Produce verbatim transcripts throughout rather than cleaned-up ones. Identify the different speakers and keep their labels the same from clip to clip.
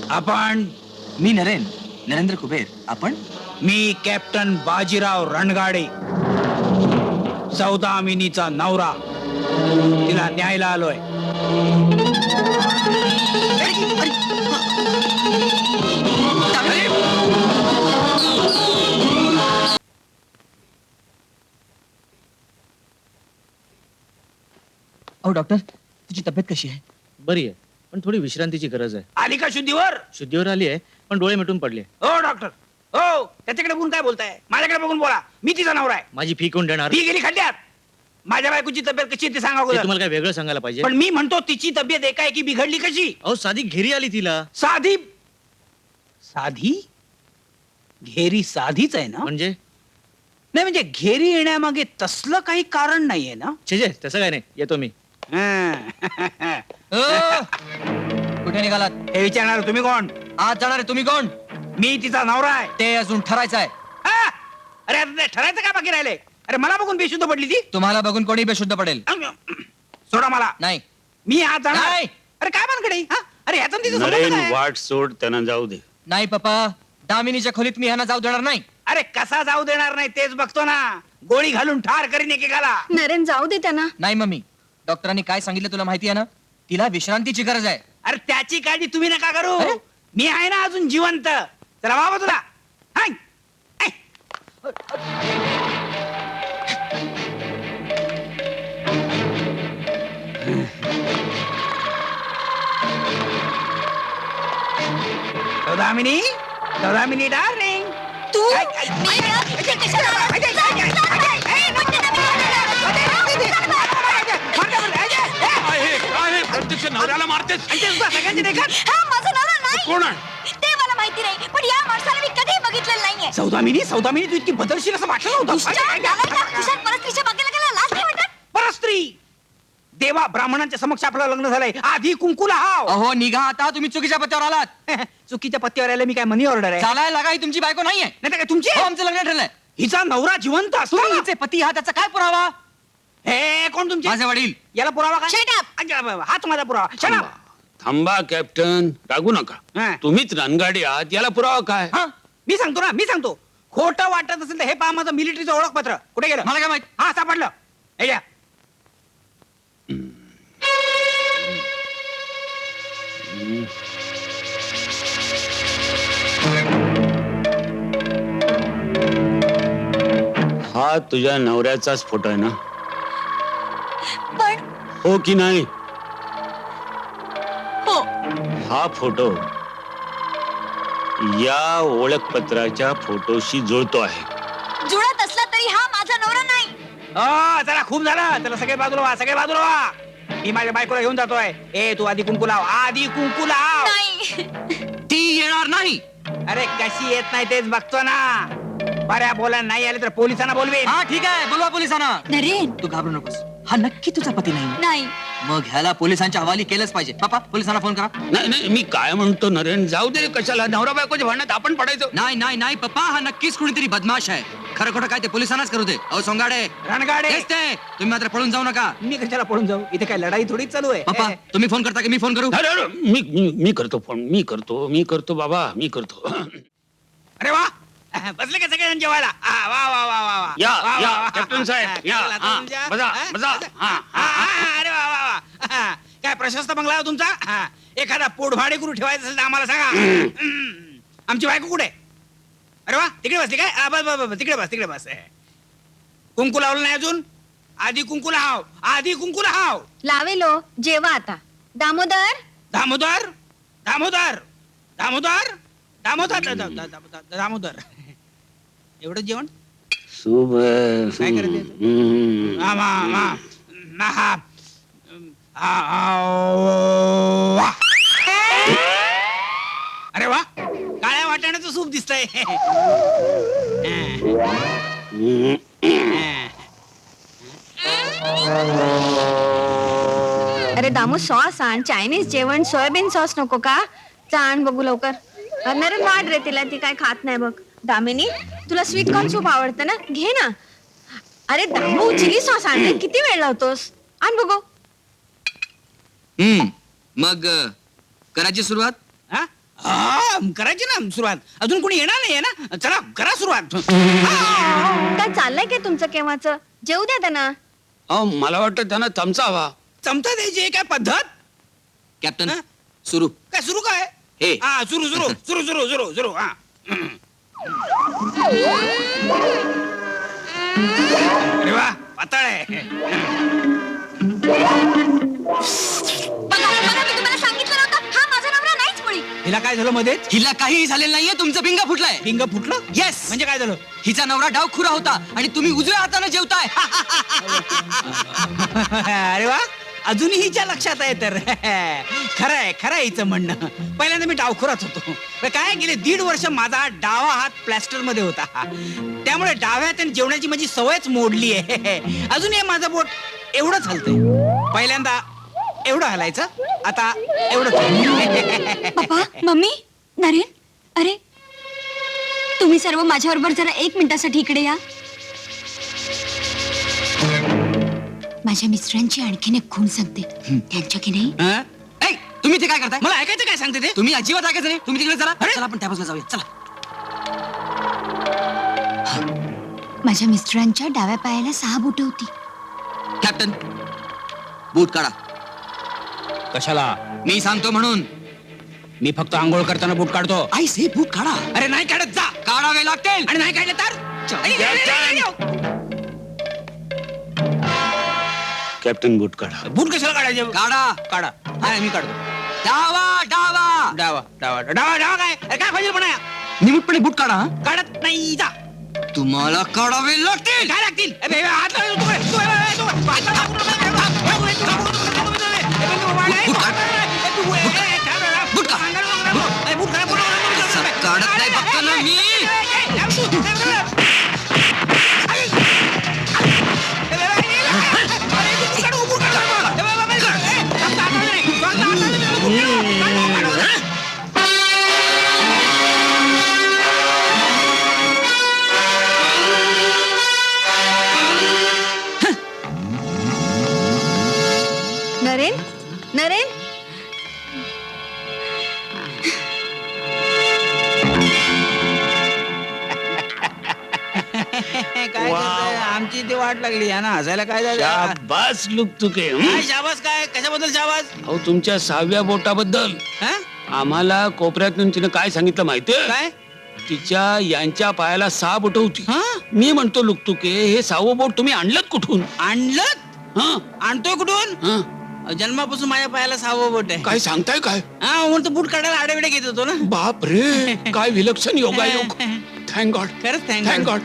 Speaker 1: आपण?
Speaker 2: मी नरेन नरेंद्र कुबेर. आपण?
Speaker 1: मी कॅप्टन बाजीराव रणगाडे, सौदामिनीचा नवरा. तिला न्यायला आलोय.
Speaker 2: अहो डॉक्टर, तुझी तब्येत कशी आहे?
Speaker 3: बरी आहे, पण थोडी विश्रांतीची गरज आहे.
Speaker 1: आली का शुद्धीवर?
Speaker 3: शुद्धीवर आली आहे, पण डोळे मिटून पडले.
Speaker 1: हो डॉक्टर, हो. त्याच्याकडे बघून काय बोलताय? माझ्याकडे बघून बोला. मी तिचा नवरा आहे.
Speaker 3: माझी फी कोण देणार?
Speaker 1: ती गेली खड्ड्यात. माझ्या बायकोची तब्येत कशी आहे ते सांगा
Speaker 3: ते
Speaker 1: अगोदर.
Speaker 3: तुम्हाला काय वेगळं सांगायला पाहिजे?
Speaker 1: पण मी म्हणतो तिची तब्येत एकाएकी बिघडली कशी?
Speaker 3: अहो साधी घेरी आली तिला.
Speaker 1: साधी साधी घेरी साधीच आहे ना?
Speaker 3: म्हणजे
Speaker 1: नाही म्हणजे घेरी येण्यामागे तसलं काही कारण नाहीये ना?
Speaker 3: छे छे, तसं काय नाही. येतो मी.
Speaker 2: कुठे निघालात?
Speaker 1: हे विचारणार तुम्ही कोण?
Speaker 2: आज जाणार आहे तुम्ही कोण?
Speaker 1: मी तिचा नवरा आहे.
Speaker 2: ते अजून ठरायचं आहे.
Speaker 1: हा? अरे आता ते ठरायचं का बाकी राहिले? अरे मला बघून बेशुद्ध पडली ती.
Speaker 2: तुम्हाला बघून कोणी बेशुद्ध पडेल?
Speaker 1: सोडा मला.
Speaker 2: नाही.
Speaker 1: मी आज जाणार.
Speaker 2: नाही.
Speaker 1: अरे काय मानकडे? हा? अरे ह्याचा आणि तिचा संबंध
Speaker 4: नरेन
Speaker 1: काय?
Speaker 4: वाट सोड, त्यांना जाऊ दे.
Speaker 2: नाही पप्पा, दामिनीच्या खोलीत मी ह्यांना जाऊ देणार नाही.
Speaker 1: अरे कसा जाऊ देणार नाही तेच बघतो ना. गोळी घालून ठार करीन एकेकाला.
Speaker 5: नरेन जाऊ दे त्यांना.
Speaker 2: नाही मम्मी, डॉक्टरांनी काय सांगितलं तुला माहिती आहे ना? तिला विश्रांतीची गरज आहे.
Speaker 1: अरे त्याची काळजी तुम्ही नका करू.
Speaker 2: अरे?
Speaker 1: मी आहे ना अजून जिवंत. चला बाबा तुला. Hi. Hi. Saudamini, Saudamini darling.
Speaker 5: तू
Speaker 1: काय- काय-
Speaker 5: मी ना इथे कशाला आला?
Speaker 1: काय- काय- काय- काय- काय- काय- काय-
Speaker 5: म्हणते ना मी.
Speaker 4: प्रत्यक्ष नवऱ्याला मारतेस.
Speaker 1: सगळ्यांची देखत.
Speaker 5: हा, माझा नवरा नाही.
Speaker 4: कोण आहे?
Speaker 5: ते मला माहिती नाही, पण या माणसाला मी कधीही बघितलेलं नाहीये.
Speaker 1: सौदामिनी, सौदामिनी तू इतकी बदलशील असं वाटलं नव्हतं.
Speaker 5: दुष्ट, नालायक, खिशात परस्त्रीच्या बागेला गेला, लाज नाही वाटत?
Speaker 1: परस्त्री. देवा ब्राह्मणांच्या समक्ष आपलं लग्न झालंय. आधी कुंकुला हाव.
Speaker 2: अहो निघा आता, तुम्ही चुकीच्या पत्त्यावर आलात.
Speaker 1: चुकीच्या पत्त्यावर आले मी काय मनी ऑर्डर आहे?
Speaker 2: चालायला लागा, ही तुमची बायको नाहीये.
Speaker 1: नाही तर काय तुमची?
Speaker 2: हो, आमचं लग्न ठरलंय.
Speaker 1: हिचा नवरा जिवंत असतो.
Speaker 2: तुम्ही हिचे पती आहात, त्याचा काय पुरावा?
Speaker 1: हे कोण तुमचे?
Speaker 2: माझे वडील.
Speaker 1: याला पुरावा काय?
Speaker 5: Shut up.
Speaker 1: अच्छा, बाबा, हाच माझा पुरावा. Shut up.
Speaker 4: थांबा कॅप्टन, रागू नका.
Speaker 1: हा.
Speaker 4: तुम्हीच रणगाडी आहात, याला पुरावा काय?
Speaker 1: हा, मी सांगतो ना, मी सांगतो. खोटं वाटत असेल तर हे पहा माझं मिलिटरीचं ओळखपत्र. कुठे गेलं?
Speaker 2: मला काय माहित?
Speaker 1: हा सापडलं. हे घ्या.
Speaker 4: हा तुझ्या नवऱ्याचाच फोटो आहे ना?
Speaker 5: पण
Speaker 4: हो की नाही?
Speaker 5: हो,
Speaker 4: हा फोटो या ओळखपत्राच्या फोटोशी जुळतो आहे.
Speaker 5: जुळत असला तरी हा माझा नवरा नाही.
Speaker 1: हो, चला खूप झालं. चला सगळे बाजूला व्हा, सगळे बाजूला व्हा. मी माझ्या बायकोला घेऊन जातोय. ए तू आधी कुंकू लाव, आधी कुंकू लाव.
Speaker 5: नाही.
Speaker 2: ती येणार नाही.
Speaker 1: अरे कशी येत नाही तेच बघतो ना. बऱ्या बोला नाही आले तर पोलिसांना बोलवेन.
Speaker 2: हा ठीक आहे, बोलवा पोलिसांना.
Speaker 5: नरेन,
Speaker 2: तू घाबरू नकोस. हा नक्की तुझा पती नाही.
Speaker 5: नाही.
Speaker 2: मग ह्याला पोलिसांच्या हवाली केलंच पाहिजे. पापा, पोलिसांना फोन करा.
Speaker 4: नाही नाही, मी काय म्हणतो नरेन, जाऊ दे. कशाला नवरा बायकोच्या भांडणात आपण पडायचो?
Speaker 2: नाही नाही नाही पप्पा, हा नक्कीच कुणीतरी बदमाश आहे. खरं खोटं काय ते पोलिसांनाच करू दे. अहो सोंगाडे,
Speaker 1: रणगाडे.
Speaker 2: तेच ते. तुम्ही मात्र पळून जाऊ नका.
Speaker 1: मी कशाला पळून जाऊ? इथे काय लढाई थोडीच चालू आहे.
Speaker 2: पप्पा, तुम्ही फोन करता की मी फोन करू?
Speaker 4: अरे अरे, मी मी- मी करतो फोन. मी करतो मी करतो बाबा, मी करतो.
Speaker 1: अरे वा, बसले का सगळेजण जेवायला? आ, वा वा वा वा वा.
Speaker 4: या,
Speaker 1: वा, वा,
Speaker 4: या,
Speaker 1: वा.
Speaker 4: कॅप्टन साहेब,
Speaker 1: हा,
Speaker 4: या.
Speaker 1: चला,
Speaker 4: हा,
Speaker 1: तुमच्या-
Speaker 4: बसा,
Speaker 1: हा,
Speaker 4: बसा. हा,
Speaker 1: हा, हा, अरे वा वा वा. हा, काय प्रशस्त बंगला आहे हो तुमचा? हा, एखादा पोटभाडे करू ठेवायचं असेल तर आम्हाला सांगा. हम्म. आमची बायको कुठे? अरे वा, तिकडे बसली काय? हा, बस बस बस, तिकडे बस, तिकडे बस. कुंकू लावलं नाही अजून? आधी कुंकू लाव, आधी कुंकू लाव.
Speaker 5: लावेलो, जेवा आता. दामोदर,
Speaker 1: दामोदर, दामोदर, दामोदर, दामोदर, दा- दा- दा- दा- दामोदर. एवढं जेवण?
Speaker 4: शुभ.
Speaker 1: काय करायचं?
Speaker 4: हम्म.
Speaker 1: हा, मा, मा, मा, हा. आ, आ, वा. अरे वा, काळ्या वाटाण्याचं सूप दिसतंय.
Speaker 4: हम्म.
Speaker 5: अरे दामू, सॉस आण. चायनीज जेवण, सोयाबीन सॉस नको का? आण बघू लवकर. नरेन वाढ रे तिला, ती काय खात नाही बघ. दामिनी, तुला स्वीट कॉर्न सूप आवडतं ना? घे ना. अरे दामू, चिली सॉस आण रे. किती वेळ लावतोस? आण बघू.
Speaker 2: हम्म मग अ, करायची सुरुवात?
Speaker 1: हा? हा करायची ना सुरुवात. अजून कोणी येणार नाहीये ना, चला करा सुरुवात. हा.
Speaker 5: काय चाललंय काय तुमचं केव्हाच? जेऊ द्या त्यांना.
Speaker 4: अहो मला वाटतं त्यांना चमचा हवा.
Speaker 1: चमचा द्यायची आहे काय पद्धत?
Speaker 2: कॅप्टन
Speaker 1: हा?
Speaker 2: सुरू
Speaker 1: काय सुरू काय?
Speaker 2: हे.
Speaker 1: हा सुरू सुरू सुरू सुरू सुरू सुरू हा. अरे वा पातळ आहे.
Speaker 5: बघा बघा, मी तुम्हाला सांगितलं नव्हतं, हा माझा नवरा नाहीच मुळी.
Speaker 1: हिला काय झालं मध्येच?
Speaker 2: हिला काहीही झालेलं नाहीये, तुमचं पिंगा फुटलाय.
Speaker 1: पिंग फुटलं?
Speaker 2: येस
Speaker 1: म्हणजे काय झालं?
Speaker 2: हिचा नवरा डावखुरा होता आणि तुम्ही उजव्या हाताने जेवताय.
Speaker 1: अरे वा अजूनही हिच्या लक्षात आहे तर. खरं आहे खरं आहे हिचं म्हणणं. पहिल्यांदा मी डावखुराच होतो. पण काय गेले दीड वर्ष माझा डावा हात प्लॅस्टर मध्ये होता, त्यामुळे डाव्या हाताने जेवणाची माझी सवयच मोडली आहे. अजूनही माझं बोट एवढंच हलतंय. पहिल्यांदा एवढं हलायचं, आता एवढं.
Speaker 5: पप्पा मम्मी नरेन, अरे तुम्ही सर्व माझ्याबरोबर जरा एक मिनिटासाठी इकडे या. माझ्या मिस्टरांची आणखीन एक खूण सांगते. त्यांच्या की नाही
Speaker 1: हा?
Speaker 2: ऐ, तुम्ही ते काय करताय?
Speaker 1: मला ऐकायचं काय सांगते ते?
Speaker 2: तुम्ही अजिबात ऐकायचं नाही. तुम्ही तिकडे चला.
Speaker 1: अरे?
Speaker 2: चला आपण त्या बाजूला जाऊया. चला.
Speaker 5: माझ्या मिस्टरांच्या डाव्या पायाला सहा बोट होती.
Speaker 2: कॅप्टन बूट काढा.
Speaker 1: कशाला?
Speaker 2: मी सांगतो म्हणून.
Speaker 1: मी फक्त आंघोळ करताना बूट काढतो.
Speaker 2: आई से बूट काढा.
Speaker 1: अरे नाही काढत जा.
Speaker 2: काढावे लागतील.
Speaker 1: आणि नाही काढलं तर आई, आई, आई, आई, आई.
Speaker 4: कॅप्टन बूट काढा.
Speaker 1: बूट कशाला काढायचे?
Speaker 2: काढा.
Speaker 1: काढा. नाही मी काढतो.
Speaker 2: डावा डावा
Speaker 1: डावा डावा डावा डावा काय? अरे काय पाहिजे पण
Speaker 2: निमूटपणे बूट काढा.
Speaker 1: काढत नाही जा.
Speaker 2: तुम्हाला काढावे लागतील.
Speaker 1: काय लागतील? ए, बे, बे, हात लावू नको. तू, तू, ए, तू, हात लावू नको. ए, बे, तू, तू, तू, तू, ए, बे, तू, वाढ, ए,
Speaker 2: बूट काढ.
Speaker 1: ए, तू, ए, ए, काय बे,
Speaker 2: बूट काढ.
Speaker 1: अंगाला नको, नको. ए, बूट काढ, बूट काढ, बूट काढ.
Speaker 2: असं काढत नाही बघतो ना मी.
Speaker 1: ए, ए, ए, लाव तू. ए, बे, बे. आई. ए, बे, बे, ए, अरे, तू बूट काढ, बूट काढ. ए, बे, बे, बे, ए, फक्त हाताने नाही. फक्त हाताने नाही, बूट काढ, बूट काढ, बूट काढ.
Speaker 5: नरेन नरेन
Speaker 1: काय करताय? आमची ती वाट लागली आहे ना, हसायला काय झालं?
Speaker 4: शाबास लुकतुके. हं?
Speaker 1: काय शाबास काय? कशाबद्दल शाबास?
Speaker 4: अहो तुमच्या सहाव्या बोटाबद्दल
Speaker 1: हा?
Speaker 4: आम्हाला कोपऱ्यातून तिने काय सांगितलं माहितीये?
Speaker 1: काय?
Speaker 4: तिच्या यांच्या पायाला सहा बोट होती.
Speaker 1: हा?
Speaker 4: मी म्हणतो लुकतुके हे सहावं बोट तुम्ही आणलं कुठून?
Speaker 1: आणलं?
Speaker 4: हं?
Speaker 1: आणतोय कुठून?
Speaker 4: हं?
Speaker 1: जन्मापासून माझ्या पायाला सहावं बोट आहे.
Speaker 4: काय सांगताय काय?
Speaker 1: हा म्हणतो बूट काढायला आडेविडे घेत होतो ना.
Speaker 4: बाप रे काय विलक्षण योगायोग. Thank God.
Speaker 1: खरंच
Speaker 4: thank
Speaker 1: thank
Speaker 4: God.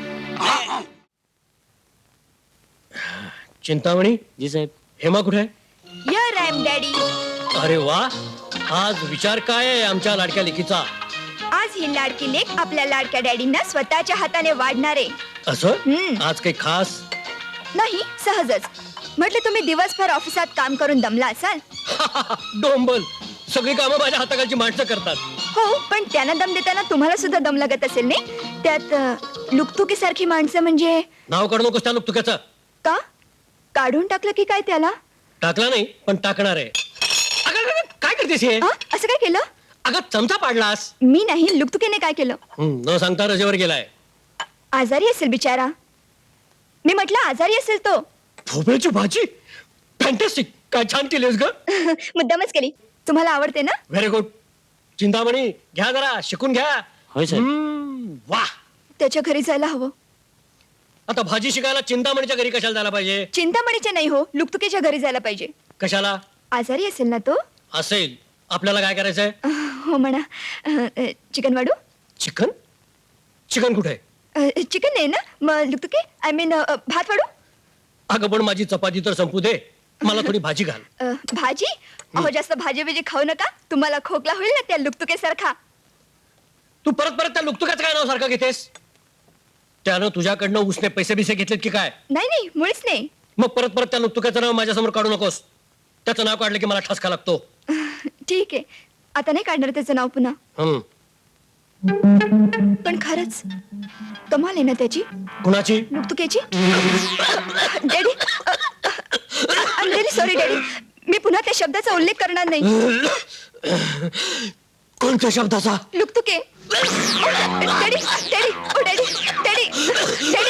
Speaker 3: Chintamani ji साहेब, हेमा कुठे आहे?
Speaker 5: यर आय एम डॅडी.
Speaker 3: अरे वा, आज विचार काय आहे आमच्या लाडक्या लेकीचा?
Speaker 5: आज ही लाडकी लेक आपल्या लाडक्या डॅडींना स्वतःच्या हाताने वाढणार आहे.
Speaker 3: असं
Speaker 5: हम्म.
Speaker 3: आज काही खास?
Speaker 5: नाही, सहजच. म्हटलं तुम्ही दिवसभर ऑफिसात काम करून दमला असाल.
Speaker 3: डोंबल, सगळी कामं माझ्या हाताखालची माणसं करतात.
Speaker 5: हो, पण त्यांना दम देताना तुम्हाला सुद्धा दम लागत असेल नाही? त्यात लुकतुकी सारखी माणसं म्हणजे
Speaker 3: नाव काढू नकोस त्या तुक्याचं.
Speaker 5: का काढून टाकलं की काय त्याला?
Speaker 3: टाकला नाही पण टाकणार आहे. अगं, अगं, अगं, काय करतेस हे?
Speaker 5: हा? असं काय केलं?
Speaker 3: अगं चमचा पाडलास.
Speaker 5: मी नाही, लुकतुकीने काय केलं?
Speaker 3: हं, न सांगता रजेवर गेलाय.
Speaker 5: आजारी असेल बिचारा. मी म्हटलं आजारी असेल तो.
Speaker 3: भोपळ्याची भाजी फॅन्टॅस्टिक. काय छान केलीस ग.
Speaker 5: मुद्दामच केली. तुम्हाला आवडते ना?
Speaker 3: Very good. चिंतामणी घ्या जरा शिकून घ्या.
Speaker 4: होय साहेब.
Speaker 3: हम्म, वा.
Speaker 5: त्याच्या घरी जायला हवं.
Speaker 3: आता भाजी शिकायला चिंतामणीच्या घरी कशाला जायला पाहिजे?
Speaker 5: चिंतामणीच्या नाही हो, लुकतुकीच्या घरी जायला पाहिजे.
Speaker 3: कशाला?
Speaker 5: आजारी असेल ना तो.
Speaker 3: असेल. आपल्याला काय करायचंय?
Speaker 5: हो म्हणा. अ, चिकन वाढू?
Speaker 3: चिकन? चिकन कुठे?
Speaker 5: अ, चिकन नाही ना, मग लुकतुकी आय मीन भात वाढू?
Speaker 3: अगं पण माझी चपाती तर संपू दे, मला थोडी भाजी घाल.
Speaker 5: अ, भाजी? अहो जास्त भाजी बिजी खाऊ नका, तुम्हाला खोकला होईल ना त्या लुकतुकेसारखा.
Speaker 3: तू परत परत त्या लुकतुकाचं काय नाव सारखं घेतेस? त्यानं तुझ्याकडनं उसने पैसे बिसे घेतलेत की काय?
Speaker 5: नाही नाही, मुळीच नाही.
Speaker 3: मग परत परत त्या लुकतुकाचं नाव माझ्यासमोर काढू नकोस. त्याचं नाव काढलं की मला ठसका लागतो.
Speaker 5: ठीक आहे, आता नाही काढणार त्याचं नाव पुन्हा.
Speaker 3: हम्म.
Speaker 5: पण खरंच कमाल आहे ना त्याची,
Speaker 3: कुणाची?
Speaker 5: लुकतुकेची. Daddy, I am very sorry daddy. मी पुन्हा त्या शब्दाचा उल्लेख करणार नाही.
Speaker 3: कोणत्या शब्दाचा
Speaker 5: Luktuke daddy daddy oh daddy daddy daddy